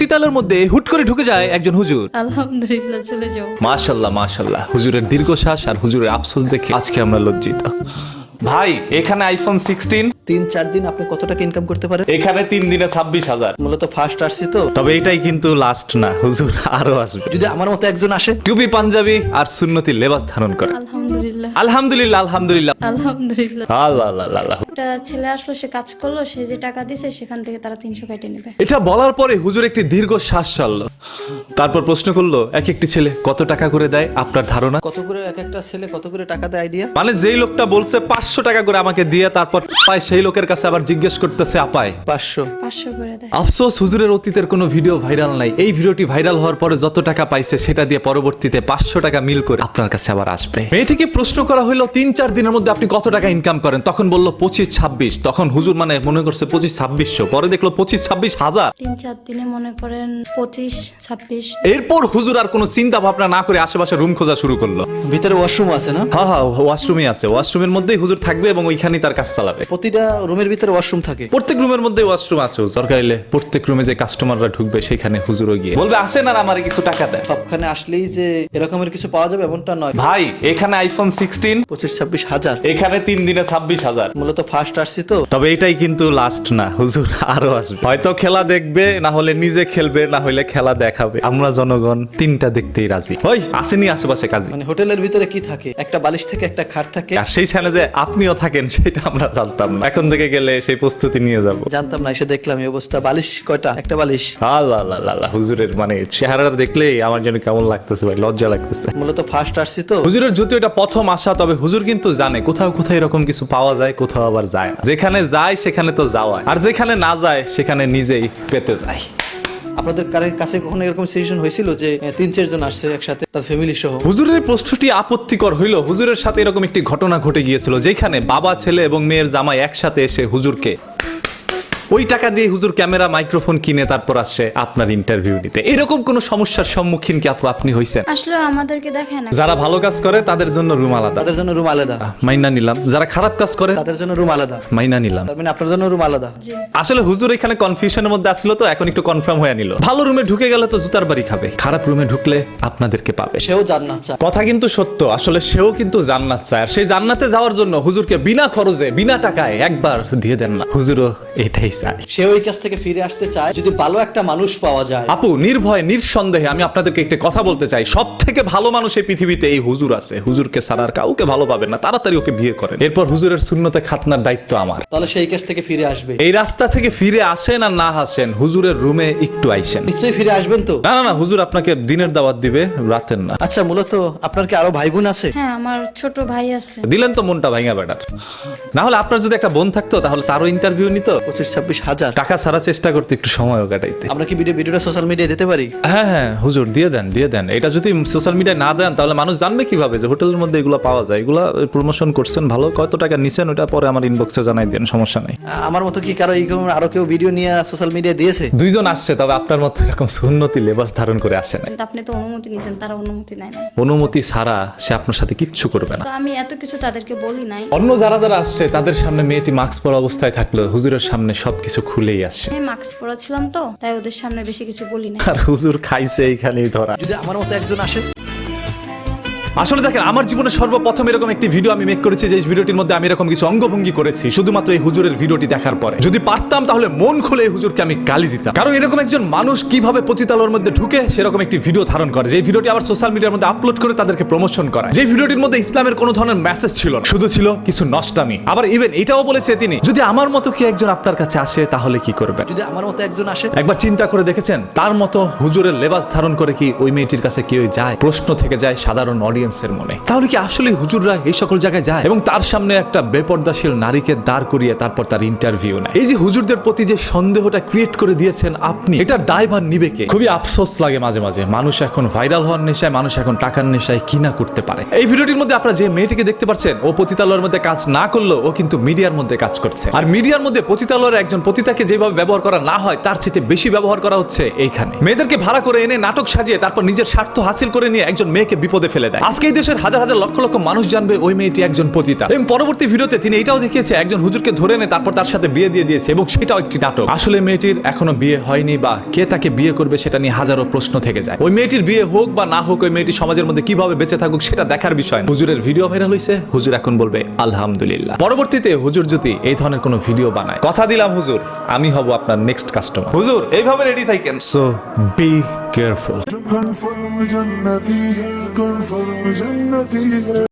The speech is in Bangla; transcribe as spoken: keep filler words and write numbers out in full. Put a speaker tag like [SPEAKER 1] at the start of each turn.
[SPEAKER 1] পতিতালয়ের মধ্যে হুট করে ঢুকে যায় একজন হুজুর।
[SPEAKER 2] আলহামদুলিল্লাহ, চলে যাও।
[SPEAKER 1] মাশাআল্লাহ মাশাআল্লাহ, হুজুরের দীর্ঘশ্বাস আর হুজুরের আফসোস দেখে আজকে আমরা লজ্জিত। ভাই এখানে আইফোন সিক্সটিন,
[SPEAKER 3] তিন চার দিন আপনি কত টাকা ইনকাম করতে পারেন?
[SPEAKER 1] এখানে তিন দিনে ছাব্বিশ হাজার।
[SPEAKER 3] মূলত ফার্স্ট আসছি তো।
[SPEAKER 1] তবে এটাই কিন্তু লাস্ট না, হুজুর আরো আসবে।
[SPEAKER 3] যদি আমার মতো একজন আসে,
[SPEAKER 1] টুপি পাঞ্জাবি আর সুন্নতি লেবাস ধারণ করে।
[SPEAKER 2] আলহামদুলিল্লাহ
[SPEAKER 1] আলহামদুলিল্লাহ আলহামদুলিল্লাহ
[SPEAKER 2] আলহামদুলিল্লাহ।
[SPEAKER 1] আল্লাহ আল্লাহ আল্লাহ।
[SPEAKER 2] একটা ছেলে আসলো, সে কাজ করলো, সে যে টাকা দিছে সেখান থেকে তারা তিনশো কেটে নেবে।
[SPEAKER 1] এটা বলার পরে হুজুর একটি দীর্ঘ শ্বাস ছাড়লো, তারপর প্রশ্ন করলো, এক একটি ছেলে কত টাকা করে দেয় আপনার ধারণা?
[SPEAKER 3] কত করে এক একটা ছেলে কত করে টাকা দেয় আইডিয়া?
[SPEAKER 1] মানে যেই লোকটা বলছে পাঁচশো টাকা করে আমাকে দিয়ে তারপর পায়, সেই লোকের কাছে আবার জিজ্ঞেস করতেছে আপায়
[SPEAKER 3] পাঁচশো
[SPEAKER 2] পাঁচশো করে দেয়।
[SPEAKER 1] আফসোস হুজুরের অতীতের কোনো ভিডিও ভাইরাল নাই। এই ভিডিওটি ভাইরাল হওয়ার পরে যত টাকা পাইছে সেটা দিয়ে পরবর্তীতে পাঁচশো টাকা মিল করে আপনার কাছে আবার আসবে। মেয়েটিকে প্রশ্ন করা হলো, তিন চার দিনের মধ্যে আপনি কত টাকা ইনকাম করেন? তখন বললো পঁচিশ ছাব্বিশ। তখন হুজুর মানে মনে করছে পঁচিশ ছাব্বিশশো, পরে দেখলো পঁচিশ ছাব্বিশ হাজার।
[SPEAKER 2] তিন চার দিনে মনে করেন পঁচিশ ছাব্বিশ।
[SPEAKER 1] এরপর হুজুর আর কোনো চিন্তা ভাবনা না করে আশেপাশে রুম খোঁজা শুরু করলো।
[SPEAKER 3] ভিতরে ওয়াশরুম আছে না?
[SPEAKER 1] হ্যাঁ হ্যাঁ, ওয়াশরুমই আছে, ওয়াশরুমের মধ্যেই হুজুর থাকবে এবং ওইখানেই তার কাজ চালাবে।
[SPEAKER 3] প্রতিটা রুমের ভিতরে ওয়াশরুম থাকে।
[SPEAKER 1] প্রত্যেক রুমের মধ্যে ওয়াশরুম আছে। দরকার হলে প্রত্যেক রুমে যে কাস্টমাররা ঢুকবে সেখানে হুজুরও গিয়ে বলবে আসেন আর আমারে কিছু টাকা দেন।
[SPEAKER 3] সবখানে আসলেই যে এরকমের কিছু পাওয়া যাবে এমনটা নয়
[SPEAKER 1] ভাই এখানে আইফোন সিক্সটিন,
[SPEAKER 3] পঁচিশ ছাব্বিশ হাজার।
[SPEAKER 1] এখানে তিন দিনে ছাব্বিশ হাজার।
[SPEAKER 3] মূলত ফার্স্ট আসছি তো।
[SPEAKER 1] তবে এটাই কিন্তু লাস্ট না, হুজুর আরো আসবে। হয়তো খেলা দেখবে, না হলে নিজে খেলবে, না হলে খেলা দেখাবে। আমরা জনগণ তিনটা দেখতেই রাজি। ওই আসেনি আশেপাশে কাজী।
[SPEAKER 3] মানে হোটেলের ভিতরে কি থাকে? একটা বালিশ থেকে একটা খাট থাকে।
[SPEAKER 1] আর সেইখানে যে আপনিও থাকেন সেটা আমরা জানতাম না। এখন থেকে গেলে সেই প্রস্তুতি নিয়ে যাব।
[SPEAKER 3] জানতাম না, এসে দেখলাম এই অবস্থা। বালিশ কয়টা? একটা বালিশ।
[SPEAKER 1] আল্লাহ আল্লাহ আল্লাহ, হুজুরের মানে চেহারাটা দেখলেই আমার যেন কেমন লাগতেছে ভাই, লজ্জা লাগতেছে।
[SPEAKER 3] মূলত ফার্স্ট আসছি তো।
[SPEAKER 1] হুজুরের যদিও এটা প্রথম আসা, তবে হুজুর কিন্তু জানে কোথাও কোথাও এরকম কিছু পাওয়া যায়, কোথাও আবার যায় না। যেখানে যায় সেখানে তো যাওয়ায়, আর যেখানে না যায় সেখানে নিজেই পেতে যায়।
[SPEAKER 3] আপনাদের কারে- কাছে কখনো এরকম সিচুয়েশন হয়েছিল যে আহ, তিন চারজন আসছে একসাথে, তার ফ্যামিলি সহ?
[SPEAKER 1] হুজুরের প্রশ্নটি আপত্তিকর হইল। হুজুরের সাথে এরকম একটি ঘটনা ঘটে গিয়েছিল, যেখানে বাবা ছেলে এবং মেয়ের জামাই একসাথে এসে হুজুরকে ওই টাকা দিয়ে হুজুর ক্যামেরা মাইক্রোফোন কিনে তারপর আসছে আপনার ইন্টারভিউ নিতে। এরকম কোন সমস্যার সম্মুখীন কি আপু আপনি হইছেন?
[SPEAKER 2] আসলে আমাদেরকে দেখে না।
[SPEAKER 1] যারা ভালো কাজ করে তাদের জন্য রুম আলাদা,
[SPEAKER 3] তাদের জন্য রুম আলাদা।
[SPEAKER 1] মাইনা নিলাম। যারা খারাপ কাজ করে
[SPEAKER 3] তাদের জন্য রুম আলাদা,
[SPEAKER 1] মাইনা নিলাম।
[SPEAKER 3] তার মানে আপনার জন্য রুম আলাদা।
[SPEAKER 2] জি।
[SPEAKER 1] আসলে হুজুর এখানে কনফিউশনের মধ্যে আসলো, তো এখন একটু কনফার্ম হয়ে নিল। ভালো রুমে ঢুকে গেলে তো জুতার বাড়ি খাবে, খারাপ রুমে ঢুকলে আপনাদেরকে পাবে।
[SPEAKER 3] সেও জান্নাত চায়।
[SPEAKER 1] কথা কিন্তু সত্য, আসলে সেও কিন্তু জান্নাত চায়। আর সেই জান্নাতে যাওয়ার জন্য হুজুরকে বিনা খরচে বিনা টাকায় একবার দিয়ে দেন না, হুজুরও এটাই চায়।
[SPEAKER 3] সে ওই কাছ থেকে ফিরে আসতে চায় যদি ভালো একটা মানুষ পাওয়া যায়।
[SPEAKER 1] আপু নির্ভয় নিঃসন্দেহে আমি আপনাদেরকে একটা কথা বলতে চাই, সব থেকে ভালো মানুষ এই পৃথিবীতে এই হুজুর আছে। হুজুরকে ছাড়া আর কাউকে ভালো পাবেন না। তাড়াতাড়ি ওকে বিয়ে করেন, এরপর হুজুরের সুন্নতে খাতনার দায়িত্ব আমার।
[SPEAKER 3] তাহলে সেই কাছ থেকে ফিরে আসবে।
[SPEAKER 1] এই রাস্তা থেকে ফিরে আসেন আর না আসেন, হুজুরের রুমে একটু আইসেন।
[SPEAKER 3] নিশ্চয়ই ফিরে আসবেন তো?
[SPEAKER 1] না না না, হুজুর আপনাকে দিনের দাওয়াত দিবে, রাতের না।
[SPEAKER 3] আচ্ছা, মূলত আপনার কি আরো ভাই বোন আছে?
[SPEAKER 2] হ্যাঁ, আমার ছোট ভাই আছে।
[SPEAKER 1] দিলেন তো মনটা ভাঙা বেটার। না হলে আপনার যদি একটা বোন থাকতো তাহলে তারও ইন্টারভিউ নিত।
[SPEAKER 3] পঁচিশ ছাব্বিশ হাজার
[SPEAKER 1] টাকা ছাড়া চেষ্টা করতে একটু সময়ও কাটাইতে।
[SPEAKER 3] আমরা কি ভিডিও ভিডিওটা সোশ্যাল মিডিয়ায় দিতে পারি?
[SPEAKER 1] হ্যাঁ হ্যাঁ হুজুর দিয়ে দেন দিয়ে দেন। এটা যদি সোশ্যাল মিডিয়ায় না দেন তাহলে মানুষ জানবে কিভাবে যে হোটেলের মধ্যে এগুলো পাওয়া যায়? এগুলা প্রমোশন করছেন ভালো, কত টাকা নিছেন ওটা পরে আমার ইনবক্সে জানাই দেন, সমস্যা নাই।
[SPEAKER 3] আমার মতো কি কারো এইরকম আরো কেউ ভিডিও নিয়ে সোশ্যাল মিডিয়ায় দিয়েছে?
[SPEAKER 1] দুইজন আসছে, তবে আপনার মতো এরকম সুন্নতি লেবাস ধারণ করে আসে না।
[SPEAKER 2] কিন্তু আপনি তো অনুমতি নিয়েছেন, তারা অনুমতি নেয় না।
[SPEAKER 1] অনুমতি ছাড়া সে আপনার সাথে কিচ্ছু করবে না।
[SPEAKER 2] তো আমি এত কিছু তাদেরকে বলি নাই।
[SPEAKER 1] অন্য যারা যারা আসছে তাদের সামনে মেয়েটি মাস্ক পরা অবস্থায় থাকলো, হুজুরের সামনে সবকিছু খুলেই আসছে।
[SPEAKER 2] আমি মাস্ক পরা ছিলাম তো, তাই ওদের সামনে বেশি কিছু বলি না।
[SPEAKER 1] আর হুজুর খাইছে এইখানেই ধরা।
[SPEAKER 3] যদি আমার মতো একজন আসে,
[SPEAKER 1] আসলে দেখেন আমার জীবনে সর্বপ্রথম এরকম একটি ভিডিও আমি মেক করেছি, যে ভিডিওটির মধ্যে আমি এরকম কিছু অঙ্গভঙ্গি করেছি শুধুমাত্র এই হুজুরের ভিডিওটি দেখার পরে। যদি পারতাম তাহলে মন খুলে এই হুজুরকে আমি গালি দিতাম, কারণ এরকম একজন মানুষ কিভাবে পতিতালয়ের মধ্যে ঢুকে সেরকম একটি ভিডিও ধারণ করে, যে ভিডিওটি আবার সোশ্যাল মিডিয়ার মধ্যে আপলোড করে তাদেরকে প্রমোশন করা। যে ভিডিওটির মধ্যে ইসলামের কোনো ধরনের মেসেজ ছিল না, শুধু ছিল কিছু নষ্টামি। আবার ইভেন এটাও বলেছে তিনি, যদি আমার মতো কি একজন আপনার কাছে আসে তাহলে কি করবেন?
[SPEAKER 3] যদি আমার মতো একজন আসে,
[SPEAKER 1] একবার চিন্তা করে দেখেছেন তার মতো হুজুরের লেবাস ধারণ করে কি ওই মেয়েটির কাছে কেউ যায়? প্রশ্ন থেকে যায় সাধারণ অডিয়েন্সের মনে, তাহলে কি আসলে হুজুররা এই সকল জায়গায় যায় এবং তার সামনে একটা বেপর্দাশীল নারীকে দাঁড় করিয়ে তারপর তার ইন্টারভিউ নেয়? এই যে হুজুরদের প্রতি যে সন্দেহটা ক্রিয়েট করে দিয়েছেন আপনি, এটার দায়ভার নিবে কে? খুবই আফসোস লাগে মাঝে মাঝে। মানুষ এখন ভাইরাল হওয়ার নেশায়, মানুষ এখন টাকার নেশায় কিনা করতে পারে। এই ভিডিওটির মধ্যে আপনারা যে মেয়েটিকে দেখতে পাচ্ছেন, ও পতিতালয়ের মধ্যে কাজ না করলেও ও কিন্তু মিডিয়ার মধ্যে কাজ করছে। আর মিডিয়ার মধ্যে পতিতালয়ের একজন পতিতাকে যেভাবে ব্যবহার করা না হয় তার চেয়ে বেশি ব্যবহার করা হচ্ছে এইখানে। মেয়েদেরকে ভাড়া করে এনে নাটক সাজিয়ে তারপর নিজের স্বার্থ হাসিল করে নিয়ে একজন মেয়েকে বিপদে ফেলে দেয়। আজকে এই দেশের হাজার হাজার লক্ষ লক্ষ মানুষ জানবে ওই মেয়েটি একজন পতিতা। এবং পরবর্তী ভিডিওতে তিনি এটাও দেখিয়েছে একজন হুজুরকে ধরে এনে তারপর তার সাথে বিয়ে দিয়ে দিয়েছে, এবং সেটাও একটি নাটক। আসলে মেয়েটির এখনো বিয়ে হয়নি, বা কে তাকে বিয়ে করবে সেটা নিয়ে হাজারো প্রশ্ন থেকে যায়। ওই মেয়েটির বিয়ে হোক বা না হোক, ওই মেয়েটি সমাজের মধ্যে কিভাবে বেঁচে থাকুক সেটা দেখার বিষয় না। হুজুরের ভিডিও ভাইরাল হয়েছে, হুজুর এখন বলবে আলহামদুলিল্লাহ। পরবর্তীতে হুজুর যদি এই ধরনের কোনো ভিডিও বানায়, কথা দিলাম হুজুর আমি হব আপনার নেক্সট কাস্টমার। হুজুর এইভাবে রেডি থাকেন। So be careful.
[SPEAKER 4] confirm jannati hai confirm jannati hai